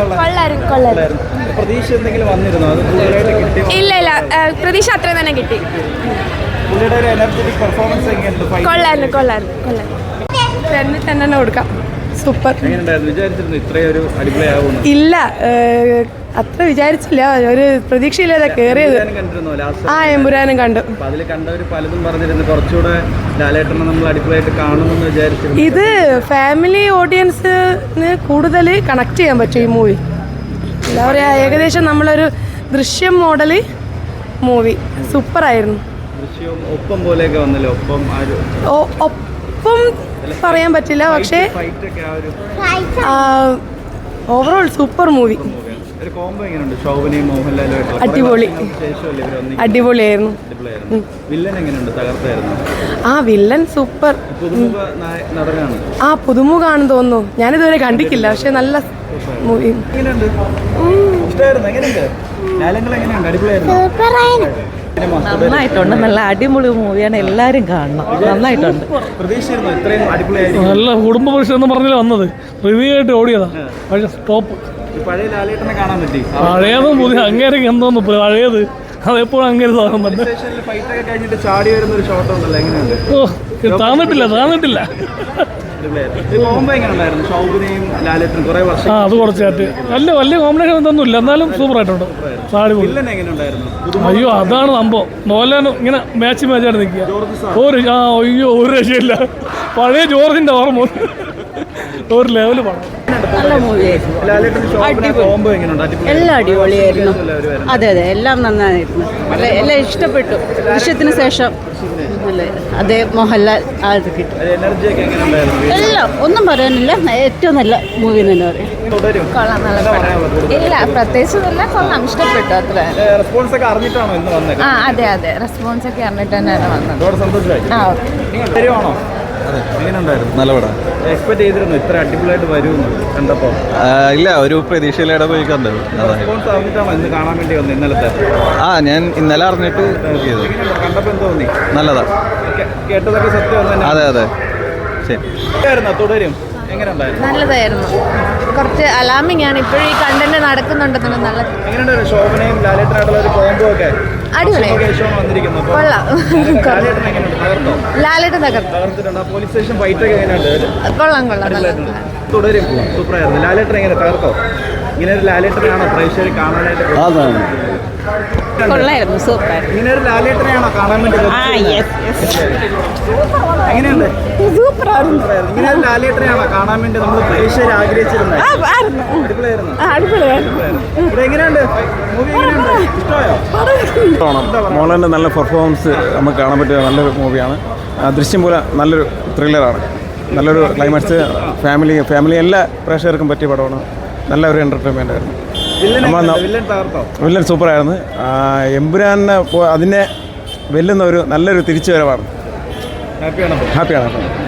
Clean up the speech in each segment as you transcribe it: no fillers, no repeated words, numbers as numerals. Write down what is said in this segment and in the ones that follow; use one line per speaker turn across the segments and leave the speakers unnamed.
ഇല്ല ഇല്ല, പ്രതീക്ഷ അത്രയും തന്നെ കിട്ടി. കൊള്ളായിരുന്നു. തന്നെ കൊടുക്കാം. സൂപ്പർ. ഇല്ല, അത്ര വിചാരിച്ചില്ല, ഒരു പ്രതീക്ഷയില്ലാതെ കയറിയത്. ആ എമ്പുരാനും കണ്ടു. ഇത് ഫാമിലി ഓഡിയൻസിന് കൂടുതൽ കണക്ട് ചെയ്യാൻ പറ്റും ഈ മൂവി. എന്താ പറയുക, ഏകദേശം നമ്മളൊരു ദൃശ്യം മോഡല് മൂവി. സൂപ്പറായിരുന്നു. ഒപ്പം പറയാൻ പറ്റില്ല, പക്ഷേ ഓവറോൾ സൂപ്പർ മൂവി. അടിപൊളിയായിരുന്നു. ആ വില്ലൻ സൂപ്പർ. ആ പുതുമുഖാണെന്ന് തോന്നുന്നു, ഞാനിതുവരെ കണ്ടിട്ടില്ല, പക്ഷെ നല്ല മൂവി.
നന്നായിട്ടുണ്ട്. നല്ല അടിപൊളി മൂവിയാണ്, എല്ലാവരും കാണണം. നന്നായിട്ടുണ്ട്.
നല്ല കുടുംബ പുരുഷൻ എന്ന് പറഞ്ഞാൽ വന്നത് റിവ്യൂ ആയിട്ട് ഓടിയതാ, പക്ഷേ ടോപ്പ്. പഴയതും പുതിയ അങ്ങേരെ എന്തോന്നു പഴയത് അതെപ്പോഴും അങ്ങനെ സാധനം താന്നിട്ടില്ല. ആ അത് കുറച്ചായിട്ട് വലിയ കോമ്പിനേഷൻ എന്തൊന്നുമില്ല, എന്നാലും സൂപ്പർ ആയിട്ടുണ്ട്. അയ്യോ അതാണ് സംഭവം. മോഹൻലാൽ ഇങ്ങനെ മാച്ചായിട്ട് നിൽക്കുക. ഒരു രക്ഷയില്ല. പഴയ ജോർജിന്റെ ഓർമ്മ ഒരു ലെവല് പണം.
നല്ല മൂവിയായിരുന്നു. എല്ലാം അടിപൊളിയായിരുന്നു. അതെ, എല്ലാം നന്നായിരുന്നു. എല്ലാം ഇഷ്ടപ്പെട്ടു. ദൃശ്യത്തിന് ശേഷം അതേ മോഹൻലാൽ അത് കിട്ടും. എല്ലാം ഒന്നും പറയാനില്ല, ഏറ്റവും നല്ല മൂവി തന്നെ പറയും.
ഇല്ല, പ്രത്യേകിച്ച് കൊള്ളാം, ഇഷ്ടപ്പെട്ടു. അത്ര അതെ റെസ്പോൺസ് ഒക്കെ അറിഞ്ഞിട്ട് തന്നെയാണ് വന്നത്.
നല്ല പടം.
എക്സ്പെക്ട് ചെയ്തിരുന്നു ഇത്ര അടിപൊളിയായിട്ട് വരുമെന്ന് കണ്ടപ്പോൾ?
ഇല്ല, ഒരു പ്രതീക്ഷയിലൂടെ പോയി കണ്ടത്.
കാണാൻ വേണ്ടി വന്നു ഇന്നലത്തെ?
ഞാൻ ഇന്നലെ അറിഞ്ഞിട്ട്
കണ്ടപ്പോൾ എന്ത് തോന്നി?
നല്ലതാ.
കേട്ടതൊക്കെ സത്യം?
അതെ ശരി.
തുടരും
നല്ലതായിരുന്നു. കുറച്ച് അലാമിംഗ് ആണ് ഇപ്പോഴും ഈ കണ്ടന്റ് നടക്കുന്നുണ്ടെന്ന്. നല്ല
എങ്ങനെയുണ്ടായിരുന്നു ശോഭനയും ലാലേട്ടനായിട്ടുള്ള ഒരു കോംബോ ഒക്കെ?
അടിപൊളി. ലാലേട്ടൻ
തകർത്തിട്ടുണ്ട്. പോലീസ് സ്റ്റേഷൻ ഫൈറ്റ് ഒക്കെ എങ്ങനെയുണ്ട്?
കൊള്ളാം.
തുടരും സൂപ്പറായിരുന്നു. ലാലേട്ടൻ എങ്ങനെ തകർത്തോ? ഇങ്ങനെ ഒരു ലാലേട്ടനെയാണോ പ്രേക്ഷകർ കാണാനായിട്ട്?
കൊള്ളായിരുന്നു, സൂപ്പർ.
ഇങ്ങനെ ഒരു ലാലേട്ടനെയാണോ കാണാൻ വേണ്ടി? എങ്ങനെയുണ്ട്? ഇങ്ങനെ ഒരു ലാലേട്ടനെയാണോ കാണാൻ വേണ്ടി നമ്മൾ പ്രേക്ഷകർ ആഗ്രഹിച്ചിരുന്നത്? എങ്ങനെയുണ്ട് മൂവി? ഇഷ്ടമായോ?
മോഹൻലാലിൻ്റെ നല്ല പെർഫോമൻസ് നമുക്ക് കാണാൻ പറ്റിയ നല്ലൊരു മൂവിയാണ്. ദൃശ്യം പോലെ നല്ലൊരു ത്രില്ലറാണ്. നല്ലൊരു ക്ലൈമാക്സ്. ഫാമിലി എല്ലാ പ്രേക്ഷകർക്കും പറ്റിയ പടമാണ്. നല്ല ഒരു എൻ്റർടൈൻമെൻ്റ് ആയിരുന്നു. വില്ലൻ സൂപ്പറായിരുന്നു. എമ്പുരാനെ അതിനെ വെല്ലുന്ന ഒരു നല്ലൊരു തിരിച്ചുവരവാണ്. ഹാപ്പിയാണ്.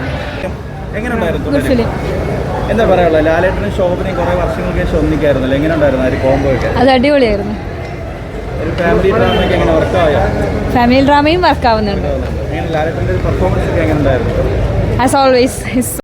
എന്താ പറയാനുള്ളത്? ലാലേട്ടനും ശോഭനയും കുറെ വർഷങ്ങൾക്ക് ശേഷം ഒന്നിക്കായിരുന്നല്ലോ, എങ്ങനെ ഉണ്ടായിരുന്നു ആ ഒരു കോംബോ ഒക്കെ?
അത് അടിപൊളിയായിരുന്നു.
ഒരു ഫാമിലി ഡ്രാമയൊക്കെ എങ്ങനെ വർക്കായോ?
ഫാമിലി ഡ്രാമയും വർക്കാവുന്നുണ്ട്.
ലാലേട്ടൻ്റെ പെർഫോമൻസ് ഒക്കെ എങ്ങനെ ഉണ്ടായിരുന്നു?
As always